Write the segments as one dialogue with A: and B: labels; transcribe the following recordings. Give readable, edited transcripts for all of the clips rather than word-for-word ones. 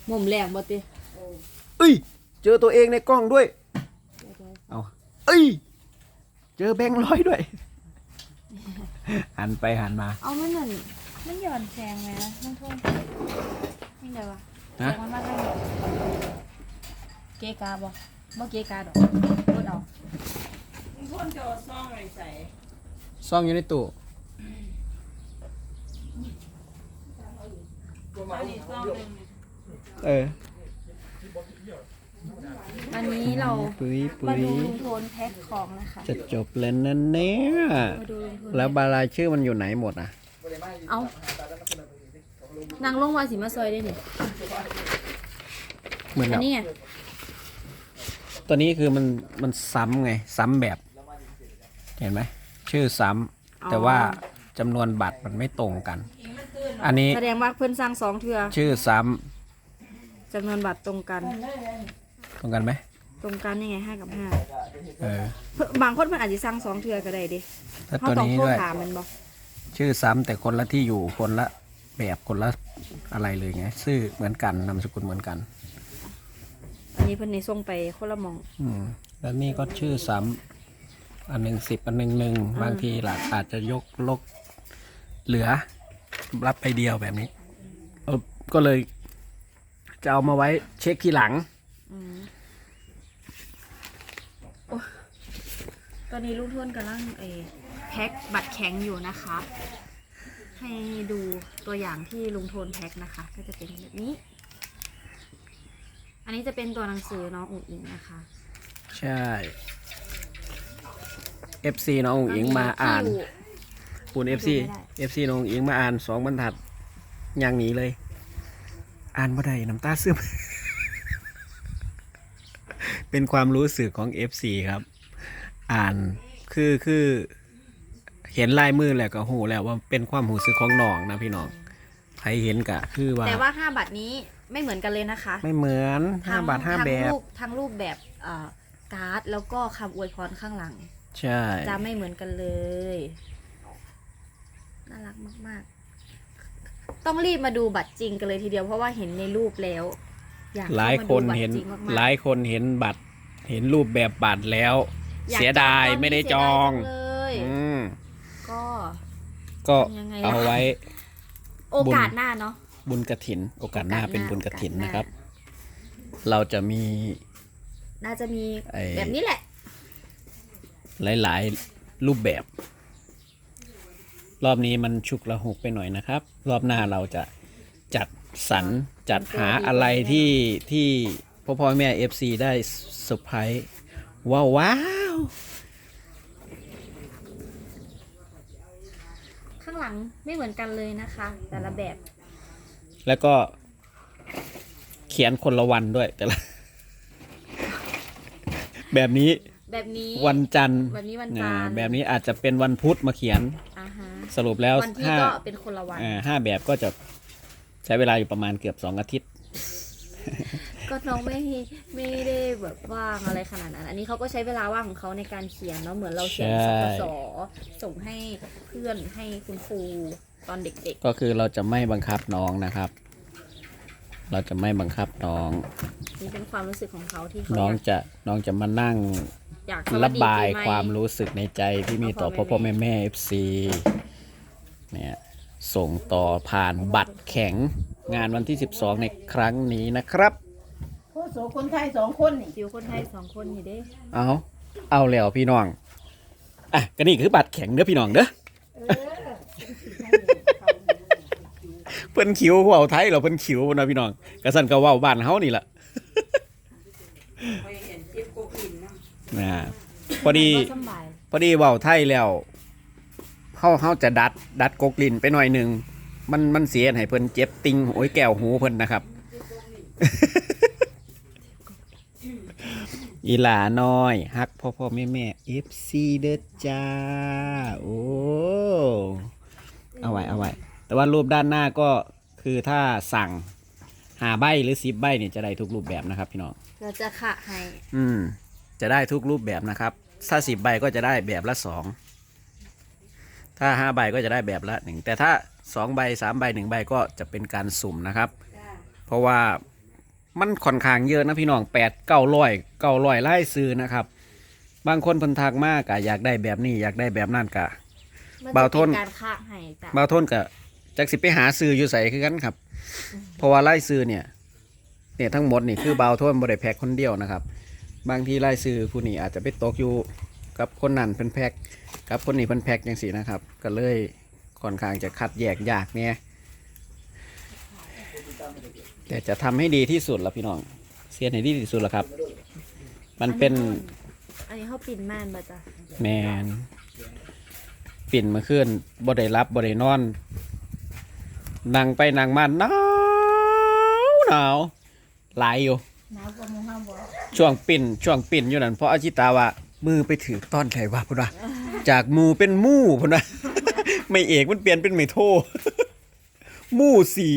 A: หม่มแรงบ่ติ
B: เอ้ยเจอตัวเองในกล้องด้วยเอาเอ้ยเจอแบงค์ร้อยด้วยหันไปหันมา
A: เอามันเหมือนมันหย่อนแซงไหมนะท่องนี่ไงวะแซงมันมากเลยเกกาบ่เกกาดอกพูดเอา
C: พ่นจะซ่องอะไรใส่
B: ซ่องอยู่ในตู้
A: อันนี้เรา
B: ปุ้ย
A: มาดูลุงโทนแพ็คของนะคะ
B: จะจบแล้วนั่นเนี่ยแล้วบารายชื่อมันอยู่ไหนหมดอ่ะ
A: เอานางลงวาสีมาซอยได้ดิ
B: เหมือน
A: อันนี้ไง
B: ตัวนี้คือมันซ้ำไงซ้ำแบบเห็นไหมชื่อซ้ำแต่ว่าจำนวนบัตรมันไม่ตรงกันอันนี้
A: แสดงว่าเพื่อนสร้าง2 เทื่อ
B: ชื่อซ้
A: ำจำนวนบัตรตรงกัน
B: ไหม
A: ตรงกันยังไง5 กับ 5บางคนมันอาจจะสร้าง2 เทื่อก็ได้ดิ
B: ถ้าตัวนี้ด้วย
A: มันบอก
B: ชื่อซ้ำแต่คนละที่อยู่คนละแบบคนละอะไรเลยไงชื่อเหมือนกันนามสกุลเหมือนกัน
A: อันนี้เพิ่นในส่งไปคนละมอง
B: แล้วนี่ก็ชื่อซ้ำอันหนึ่ง10อันหนึ่ง1บางทีหลักอาจจะยกลกเหลือรับไปเดียวแบบนี้ก็เลยจะเอามาไว้เช็คทีหลัง
A: ตอนนี้ลุงทวนกำลังแพ็คบัตรแข็งอยู่นะคะ ให้ดูตัวอย่างที่ลุงโทนแพ็คนะคะก็จะเป็นแบบนี้อันนี้จะเป็นตัวหนังสือน้องอุ๋งอิงนะคะ
B: ใช่ FC น้องอุ๋งอิงมาอ่านปูน FC น้องอุ๋งอิงมาอ่าน2 บรรทัดอย่างนี้เลยอ่านบ่ได้น้ำตาซึม เป็นความรู้สึกของ FC ครับอ่านคือเห็นลายมือแล้วก็หูแล้วว่าเป็นความรู้สึกของน้องนะพี่น้องใครเห็นกะคือว่า
A: แต่ว่า5 บัตรนี้ไม่เหมือนกันเลยนะคะ
B: ไม่เหมือน5 บาท 5 แบบ
A: ทั้งรูปแบบการ์ดแล้วก็คำอวยพรข้างหลัง
B: ใช่
A: จะไม่เหมือนกันเลยน่ารักมากๆต้องรีบมาดูบัตรจริงกันเลยทีเดียวเพราะว่าเห็นในรูปแล้ว
B: หลายคนเห็นบัตรเห็นรูปแบบบัตรแล้วเสียดายไม่ได้จองก็เอาไว้
A: โอกาสหน้าเนาะ
B: บุญกฐินโอกาสหน้าเป็นบุญกฐินนะครับเราจะมี
A: น่าจะมีแบบนี้แหละ
B: หลายรูปแบบรอบนี้มันฉุกละหุกไปหน่อยนะครับรอบหน้าเราจะจัดสรรจัดหาอะไรที่พ่อแม่ FC ได้เซอร์ไพรส์ว้าว
A: ข้างหลังไม่เหมือนกันเลยนะคะแต่ละแบบ
B: แล้วก็เขียนคนละวันด้วยแต่ละแบบนี้วันจันทร์แบบนี้อาจจะเป็นวันพุธมาเขียนสรุปแล้ว
A: วันที่ก็เป็นคนละวัน
B: 5 แบบก็จะใช้เวลาอยู่ประมาณเกือบ2 อาทิตย์
A: ก็น้องไม่ได้แบบว่างอะไรขนาดนั้นอันนี้เขาก็ใช้เวลาว่างของเขาในการเขียนเนาะเหมือนเราเขียนสสส่งให้เพื่อนให้คุณครูตอนเด็ก
B: ๆก็คือเราจะไม่บังคับน้องนะครับเราจะไม่บังคับน้อง
A: นี่เป็นความรู้สึกของเขาที่
B: น้องจะมานั่งระบายความรู้สึกในใจที่มีต่อพ่อแม่ FC เนี่ยส่งต่อผ่านบัตรแข็งงานวันที่12ในครั้งนี้นะครับ
C: โอ้โหคนไทย2 คนนี่
A: คิวคนไทย2 คนนี่เด้
B: เอาแล้วพี่น้องก็นี่คือบัตรแข็งเด้อพี่น้องเด้อเพิ่นคิวเว้าไทยเราเพิ่นคิวนะพี่น้องกระสั่นก็เว้าบ้านเฮานี่ล่ะพอดีเว้าไทยแล้วเฮาจะดัดกกลิ้นไปหน่อยนึงมันเสียให้เพิ่นเจ็บติงโอ้ยแก้วหูเพิ่นนะครับอีหลาน้อยฮักพ่อแม่ FC เด้อจ้าโอ้เอาไว้แต่ว่ารูปด้านหน้าก็คือถ้าสั่ง5 ใบหรือ10 ใบเนี่ยจะได้ทุกรูปแบบนะครับพี่น้อง
A: เราจะขะให้
B: จะได้ทุกรูปแบบนะครับถ้า10 ใบก็จะได้แบบละ2ถ้า5 ใบก็จะได้แบบละ1แต่ถ้า2 ใบ 3 ใบ 1 ใบก็จะเป็นการสุ่มนะครับเพราะว่ามันค่อนข้างเยอะนะพี่น้อง8-900ไล่ซื้อนะครับบางคนเพิ่นทักมากอะอยากได้แบบนี้อยากได้แบบนั้นกะ
A: มัน
B: บ่าว
A: จะ
B: ท
A: เป็น นการค้าให้จ้ะ
B: บางทนกะจักสิไปหาซื้ออยู่ใส่คือกันครับ เพราะว่าไล่ซื้อเนี่ยทั้งหมดนี่คือบาวทนบ่ได้แพ็คคนเดียวนะครับ บางทีไล่ซื้อผู้นี้อาจจะไปตกอยู่กับคนนั้นเพิ่นแพ็คกับคนนี้เพิ่นแพ็คจังซี่นะครับ ก็เลยค่อนข้างจะคัดแยกยากเนี่ยแต่จะทำให้ดีที่สุดละพี่น้องเสียนให้ดีที่สุดละครับ มันเป็น
A: อันนี้เขาปิ่นม่านบ่จ้ะ
B: แมนปิ่นมาขึ้นบ่ได้รับบ่ได้นอนนั่งไปนั่งมาหนาวหลายอยู่
C: หนาวกว่าหมู่เฮาบ่
B: ช่วงปิ่นอยู่นั่นเพราะอาชิตาว่ามือไปถือต้อนไข่ว่าพุ่นว่าจากมูเป็นมู่พุ่นว่า ไม่เอกมันเปลี่ยนเป็นไม่โท มู่สี่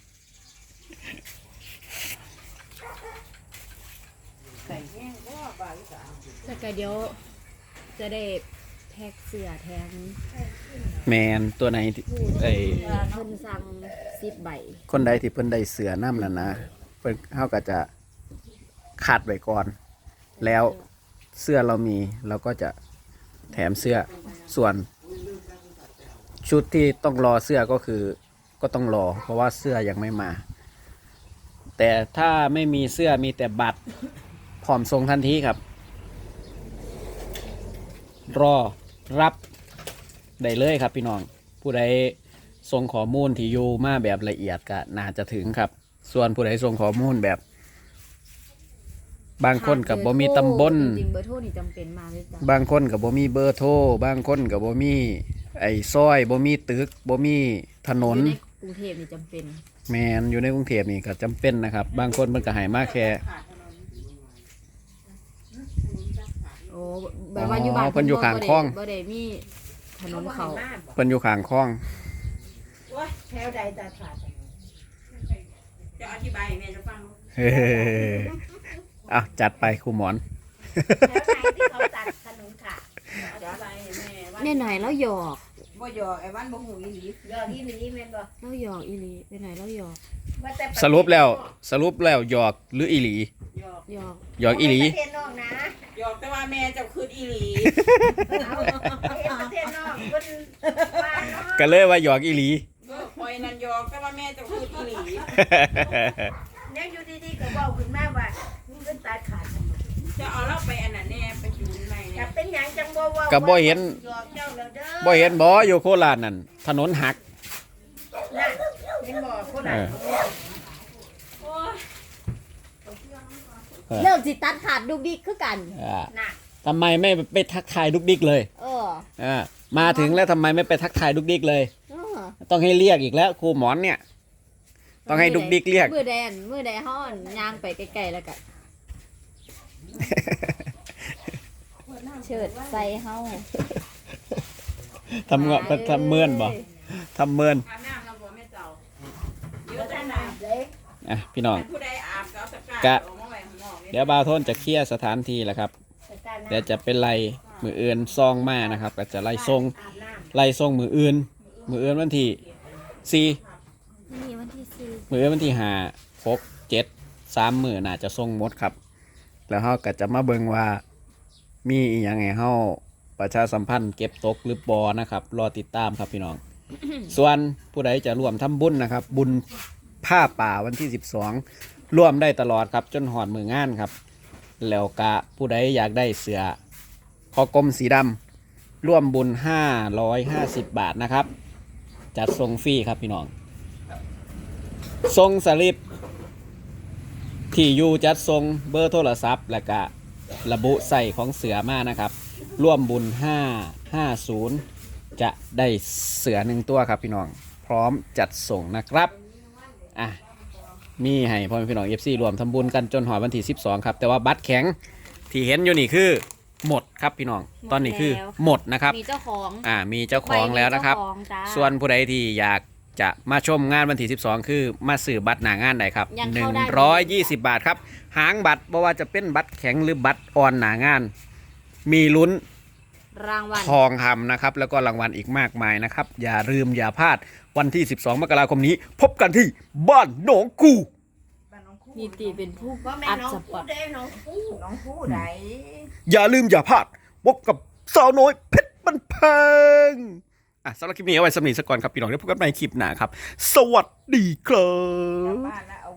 C: ไก่แห้งบ่บ่าวอีสาน
A: แต่ก็เดี๋ยวจะได้แพ็กเสื้อแทน
B: แมนตัวไหนที่
A: ผู้
B: ไอ้
A: ที่เพิ่นสั่ง10 ใบ
B: คนใดที่เพิ่นได้เสือน้ำนั่นนะเพิ่นเฮาก็จะคัดไว้ก่อน แล้วเสื้อเรามีเราก็จะแถมเสื้อส่วนชุดที่ต้องรอเสื้อก็คือก็ต้องรอ เพราะว่าเสื้อยังไม่มา แต่ถ้าไม่มีเสื้อมีแต่บัตรพร้อมส่งทันทีครับ รอรับได้เลยครับพี่น้องผู้ใดส่งข้อมูลที่อยู่มาแบบละเอียดก็น่าจะถึงครับ ส่วนผู้ใดส่งข้อมูลแบบ บางคนกับบ่มีตำบล
A: จริงๆเบอร์โทรนี่จำเป็นมากเลยจ้ะ
B: บางคนกับบ่มีเบอร์โทรบางคนกับบ่มีไอ้ซอยบ่มีตึกบ่มีถนน
A: อยู่ในกรุงเทพนี่จำเป็น
B: แมนอยู่ในกรุงเทพนี่ก็จำเป็นนะครับ บางคนมันก็ใหายมากแค่
A: โอ้แบบว่าอยู่บ้าน
B: เพิ่นอยู่ข้างคลอง
A: บ่ได้มีถนนเขา
B: เพิ่นอยู่ข้างคลอง
C: โอ้ยแถวใดตาขาดจะอธิบายให้แม่จะฟัง
B: เฮ้เอาจัดไปครูหมอน
C: แถวไหนที่เขาตัดถนนขาดอธิบายให้แม่ว่า
A: แน่หน่อยแล้วหยอก
C: บ่หยอกไอ้วันบ่หูอีหลีหยอกอีหลีแม่นบ่
A: แล้วหยอกอีหลีแน่หน่อยแล้วหยอก
C: ว่าแต่
B: สรุปแล้วหยอกหรืออีหลี
C: หยอก
A: หยอก
B: หยอกอีหลี
C: ประเทศนอกนะหยอกแต่ว่าแม่เจ้าคืออีหลีเอาประเทศนอกเพิ่นว่าเนาะ
B: ก็เลยว่าหยอกอีหลี
C: คอยนั่นหยอกแต่ว่าแม่เจ้าคืออีหลีแล้วอยู่ดีๆก็เว้าขึ้นมาว่ามึงเพิ่นตัดขาดทำไมจะเอาเราไปอันนั้นแน่ไปอยู่ในเนี่ยเป็นหยังจังบ่เว้า
B: ก็บ่เห็น
C: หยอกเจ้าแล้วเด้อ
B: บ่เห็นบ่อยู่โคราชนั่นถนนหัก
C: น่ะเห็นบ่คนนั้น
A: เริ่มสิตัดขาดดุกดิกคือกัน
C: น่ะ
B: ทำไมไม่ไปทักทายดุกดิกเลย
A: เออ
B: มาถึงแล้วทำไมไม่ไปทักทายดุกดิกเลย
A: เออ
B: ต้องให้เรียกอีกแล้วครูหมอนเนี่ย ต้องให้ดุกดิกเรียก
A: มือแดนห้อนย่างไปไกลๆแล้วกันเฉิดใส่เฮา
B: ทำเงาะทำเมินบ่ทำเมิน
C: อาบน้ำเราบ่แม่เจ้าเดี๋ยวจะน้ำเล็ก
B: อ่ะพี่น้อง
C: ผู้ใดอาบก็เอาตะกร้าออกมาไว้ข้างนอก
B: เดี๋ยวบาวโทนจะเคลียร์สถานที่แหละครับเดี๋ยวจะเป็นไล่มืออื่นซองมานะครับ ก็จะไล่ทรง
C: อาบน้
B: ไล่ทรงมืออื่นวันที่สี่
A: นี่วันที่สี่
B: มืออื่นวันที่ห้า6 7 3มื้อน่าจะทรงหมดครับ แล้วเขาก็จะมาเบิ่งว่ามีอหย่างไงเขาประชาสัมพันธ์เก็บตกหรือบ่นะครับรอติดตามครับพี่น้อง ส่วนผู้ใดจะร่วมทำบุญนะครับ บุญผ้าป่าวันที่12ร่วมได้ตลอดครับจนหอดมืองานครับ แล้วก็ผู้ใดอยากได้เสือคอกลมสีดำร่วมบุญ550 บาทนะครับ จัดส่งฟรีครับพี่น้องส่งสลิปที่อยู่จัดส่งเบอร์โทรศัพท์ และก็ระบุใส่ของเสือมานะครับร่วมบุญ550จะได้เสือ1 ตัวครับพี่น้องพร้อมจัดส่งนะครับอ่ะมีให้พ่อแม่พี่น้อง FC รวมทำบุญกันจนหอดวันที่12ครับแต่ว่าบัตรแข็งที่เห็นอยู่นี่คือหมดครับพี่น้องตอนนี้คือหมดนะครับ
A: มีเจ้าของ
B: มีเจ้าของแล้วนะครับ
A: ใมีเจ้าของจ้า
B: ส่วนผู้ใดที่อยากจะมาชมงานวันที่12คือมาซื้อบัตรหน้างานได้ครับ
A: ยังเข้าได้
B: 120 บาทครับหางบัตรบ่ว่าจะเป็นบัตรแข็งหรือบัตรอ่อนหน้างาน มีลุ้น
A: รางวัล
B: ทองคำนะครับแล้วก็รางวัลอีกมากมายนะครับอย่าลืมอย่าพลาดวันที่12 มกราคมนี้ พบกันที่บ้านหนองคู
C: ำบ้านน้องคู
A: นิติเป็นผู้
C: ว่าแม่
A: อัด
C: น้อง
A: สป
C: ผู้
A: อต
C: ได้น้องผู้ไหน
B: อย่าลืมอย่าพลาดพบกับสาวน้อยเพชรบันเพงสำหรับคลิปนี้เอาไว้สำหรับนิทสกรครับพี่น้องได้พบกันใหม่คลิปหน้าครับ สวัสดีครั
C: กลับบ บ้านแล้ว